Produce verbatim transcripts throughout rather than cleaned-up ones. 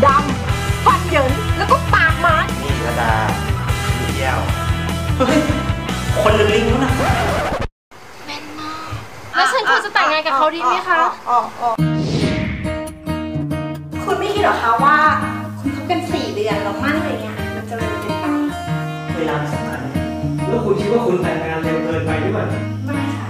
ดำฟันเหยินแล้วก็ปากหมานี่ระดาพี่เยี่ยวเฮ้ยคนหรือลิงนู้นน่ะแม่นมากแล้วฉันควรจะแต่งงานกับเขาดีไหมคะคุณไม่คิดหรอคะว่าคุณคบกันสี่เดือนแล้วมั่นอะไรเงี้ยมันจะเร็วเกินไปเวลาสำคัญแล้วคุณคิดว่าคุณแต่งงานเร็วเกินไปหรือเปล่าไม่ค่ะ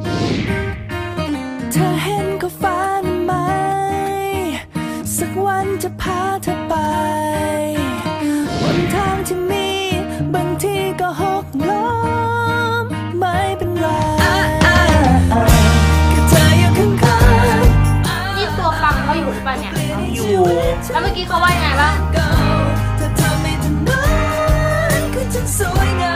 เธอเห็นก็ฝันไหมสักวันจะพาเธอไปบนทางที่มีบางทีก็หกล้มไม่เป็นไรแค่เธออยู่ข้างๆนี่ตัวฟังเขาอยู่หรือเปล่าเนี่ยอยู่แล้วเมื่อกี้เขาว่ายังไงบ้างเธอทำให้ถนนคือฉันสวยงาม